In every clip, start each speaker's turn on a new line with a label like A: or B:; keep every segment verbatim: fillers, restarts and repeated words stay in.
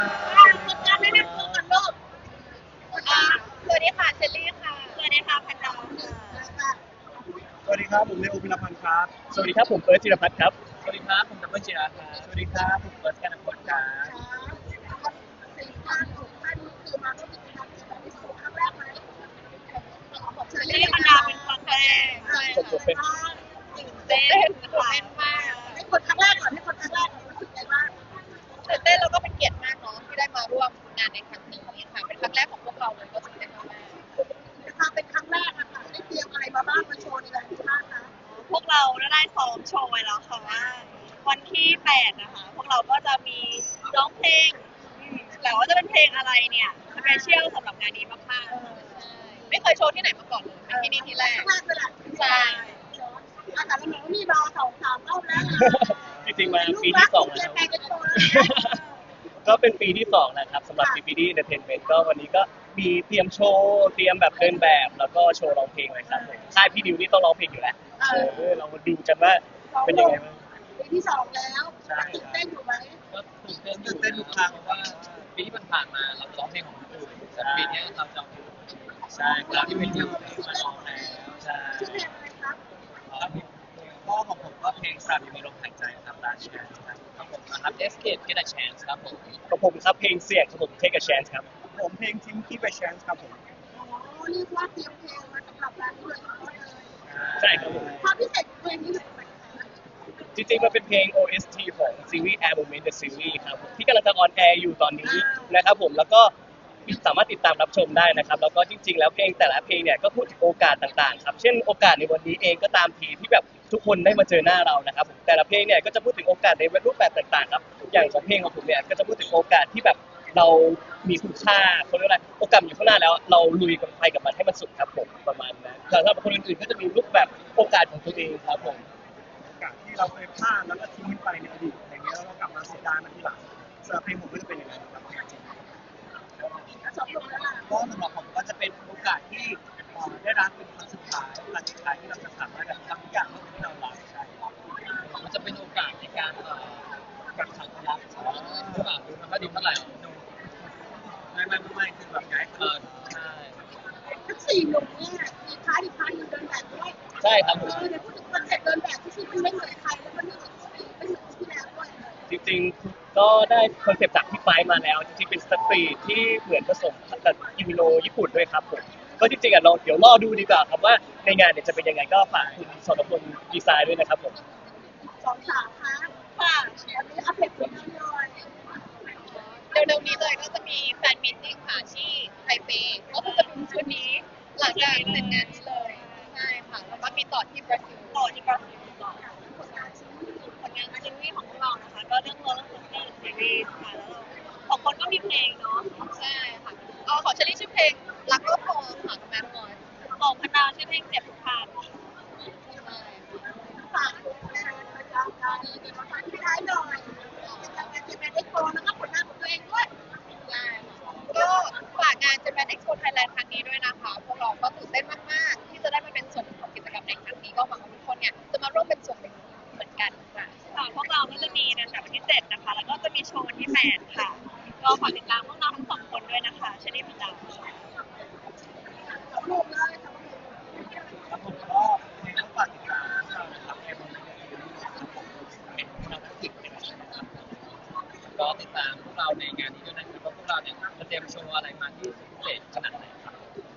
A: คนงานแนะนำตัวกันโลกอ่าสวัสดีค่ะเชลลี่ค่ะสวัสดีค่ะพันดาวค่ะ
B: สวัสดีครับผมเลโอพิรพันธ์ครับ
C: สวัสดีครับผมเฟิร์สจิรพัฒน์ครับ
D: สวัสดีครับผมดับเบิลจิราครับ
B: สวัสดีครับผมเฟิร์สกันพลครับ
A: สี่ท่านหกท่านคือมาร่วมกิจกรรมในแบบที่สุดครั้งแรกไหมของเชลลี่พันดาวเป็นครั้งแรกใช่ค่ะตื่นเต้นค่ะเต้นมากให้คนครั้งแรกก่อนให้คนครั้งแรกก่อนรู้สึกไงบ้างตื่นเต้นแล้วก็เป็นเกียรติมากเนาะที่ได้มาร่วมงานในครั้งนี้ค่ะเป็นครั้งแรกของพวกเราเลยก็ตื่นเต้นมากนะคะเป็นครั้งแรกอะค่ะได้เตรียมอะไรมาบ้างมาโชว์ในงานนี้บ้างคะพวกเราได้ซ้อมโชว์ไว้แล้วค่ะว่าวันที่แปดนะคะพวกเราก็จะมีร้องเพลงแต่ว่าจะเป็นเพลงอะไรเนี่ยสเปเชียลสำหรับงานนี้มากๆไม่เคยโชว์ที่ไหนมาก่อนเลยเป็นที่นี่ที่แรกใช่อาจารย์น้องมีรอสองสามรอบแล้ว
C: จริงๆมาปีที่สองแล้วก็เป็นปีที่สองแล้วครับสำหรับ พี พี ดี Entertainment ก็วันนี้ก็มีเตรียมโชว์เตรียมแบบเดินแบบแล้วก็โชว์ร้องเพลงเลยครับผมค่ายพี่ดิวนี่ต้องร้องเพลงอยู่แล้วเออเรามาดูกันว่าเป็นยังไงบ้าง
A: ปีที่สองแล้วตื่นเต้นอยู่ไหม
D: ก็ตื่นเต้นตื่นเต้นทุกครั้งเพราะว่าปีที่ผ่านมาเราร้องเพลงของคนอื่นแต่ปีนี้เราจะ
C: ใช่ค
D: เรา
C: รับ
D: ที่เป็นที่มาร้องแล้ว
C: ใช่
A: ชื่อเพลงอะไรครับ
D: ก็ของผมก็เพลงสามยังมีลมหายใจครับลาชแชนครับครับผมนะครับ Escape Get a Chance ครับผม
C: ของผมครับเพลงเสียงของผม Take a Chance ครับ
B: ผมเพลงทิ้งที่ไปแชนส์ครับผม
A: อ๋อเรียกว่าเตรียมเพลงมาสำหรับงานนี้เลย
C: ใช่ครับผม
A: ความพิเศษของเพลงนี้คืออะไร
C: จริงๆมันเป็นเพลง โอ เอส ที ของซีรีส์ Air Moment The Series ครับผมที่กำลังจะออนแอร์อยู่ตอนนี้นะครับผมแล้วก็สามารถติดตามรับชมได้นะครับแล้วก็จริงๆแล้วเพลงแต่ละเพลงเนี่ยก็พูดถึงโอกาสต่างๆครับเช่นโอกาสในวันนี้เองก็ตามทีที่แบบทุกคนได้มาเจอหน้าเรานะครับผมแต่ละเพลงเนี่ยก็จะพูดถึงโอกาสในรูปแบบต่างๆครับอย่างของเพลงของผมเนี่ยก็จะพูดถึงโอกาสที่แบบเรามีคุณค่าเขาเรียกว่าอะไรโอกาสอยู่ข้างหน้าแล้วเราลุยกับไปกับมันให้มันสุดครับผมประมาณนั้นแต่สำหรับคนอื่นๆก็จะมีรูปแบบโอกาสของตัวเองครับผม
B: โอกาสที่เราเคยพลาดแล้วก็ทิ้งไปในอดีตอย่างเงี้ยแล้วเรากลับมาเสียดายมันทีหลังสำหรับเพลงผมก็จะเป็นอย่างนั้นครับจริง
A: สองหนุ่มแล้วล่ะ
D: ก็สำหรับผมก็จะเป็นโอกาสที่ได้รับเป็นครั้งสุดท้ายโอกาสสุดท้ายที่เราจะสามารถทำทุกอย่างที่เรารักใช่มันจะเป็นโอกาสในการกักขังรักหรือเปล่าดูมันก็ดีเท่าไหร่ไม่ไม่ไม่คือแบบย้ายเออใช่
A: ทั้งสี่หนุ่มเนี่ยมีคล้ายอีกคล้ายอยู่เดินแบบด้วย
C: ใช่ครับผม
A: เออเดี๋ยวพูดถึงคอนเซ็ปต์เดินแบบที่ชื่อมันไม่เหมือนใครแล้วมันไม่เหมือนไม่เหมือนที่แล้วด้วย
C: จริงๆก็ได้คอนเซปต์จากพี่ไฟมาแล้วจริงๆเป็นสตรีทที่เหมือนผสมกับอิมิโนญี่ปุ่นด้วยครับผมก็จริงๆอ่ะเราเดี๋ยวรอดูดีกว่าครับว่าในงานเนี่ยจะเป็นยังไงก็ฝากคุณสรพลดีไซน์ด้วยนะครับผม
A: สองสาวคะค่ะอันนี้อัปเดตผลงานหน่อยเร็วๆนี้เลยก็จะมีแฟนมิตติ้งค่ะที่ไทเปก็คือจะเป็นชุดนี้หลังจากเสร็จงานนี้เลยใช่ค่ะแล้วก็มีต่อที่บราซิลต่อที่บราซิลต่อผลงานชิ้นผลงานชิ้นนี้ของพวกเรานะคะก็เรื่องเรื่องของเพลงซีรีส์ค่ะแล้วเราสองคนก็มีเพลงเนาะใช่ค่ะเอาของเชลลี่ชื่อเพลงรักก็พอค่ะกับแมทมอยของพนาชื่อเพลงเจ็บทุกทางใช่ฝากการนี้เดี๋ยวมาฝากที่ท้ายหน่อยจะเป็นจะเป็นเอ็กโปแล้วก็ผลงานของตัวเองด้วยใช่ก็ฝากงานจะเป็นเอ็กโปไทยแลนด์ครั้งนี้ด้วยนะคะพวกเราก็ตื่นเต้นมากๆที่จะได้มาเป็นส่วนหนึ่งของกิจกรรมในครั้งนี้ก็หวังว่าทุกคนเนี่ยจะมาร่วมเป็นส่วนหนึ่งเหมือนกันค่ะค่ะพวกเราก็จะมีในแต่วันที่เจ็ดนะคะแล้วก็จะมีโชว์วันที่แปดค่ะก็ฝากติดตามพวกเราทั้งสองคนด้วยนะคะชนิดพิจารณ์สองลูกเลยสองลูก
D: แล้วผมก็ในต้องฝากติดตามเรานะครับในบนเวทีนะครับผมเป็นเราติดนะครับก็ติดตามพวกเราในงานนี้ด้วยนะครับว่าพวกเราเนี่ยจะเตรียมโชว์อะไรมาที่พิเศษขนาดไหนครับ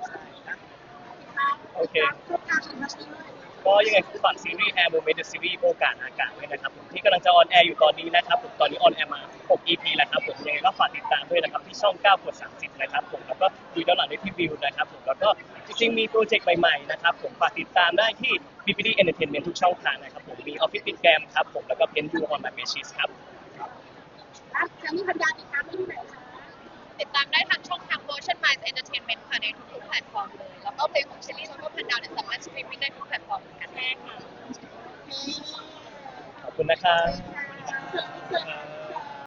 C: โอเคก็ยังไงฝากซีรีส์ Air Moment The Series โอกาสอากาศด้วยนะครับผมที่กำลังจะออนแอร์อยู่ตอนนี้นะครับผมตอนนี้ออนแอร์มาหก อี พี แล้วครับผมยังไงก็ฝากติดตามด้วยนะครับที่ช่องเก้ากดสามสิบนะครับผมแล้วก็ดูย้อนหลังได้ที่วิวนะครับผมแล้วก็จริงๆมีโปรเจกต์ใหม่ๆนะครับผมฝากติดตามได้ที่ พี พี ดี Entertainment ทุกช่องทางนะครับผมมี Office Instagram ครับผมแล้วก็ Pen You on My Messages ครับ
A: แล้วจะมีพันดาติดตามได้ที่ไหนคะติดตามได้ทางช่องทาง Motion Minds Entertainment ค่ะในทุกๆแพลตฟอร์มเลยแล้วก็เพลงของเชลลี่แล้วก็พันดาวเนี่ยสามารถสตรีมมิ่งได้ทุกแพลตฟอร์มเหมือนกันแน่ค่ะ
C: ขอบคุณนะครับ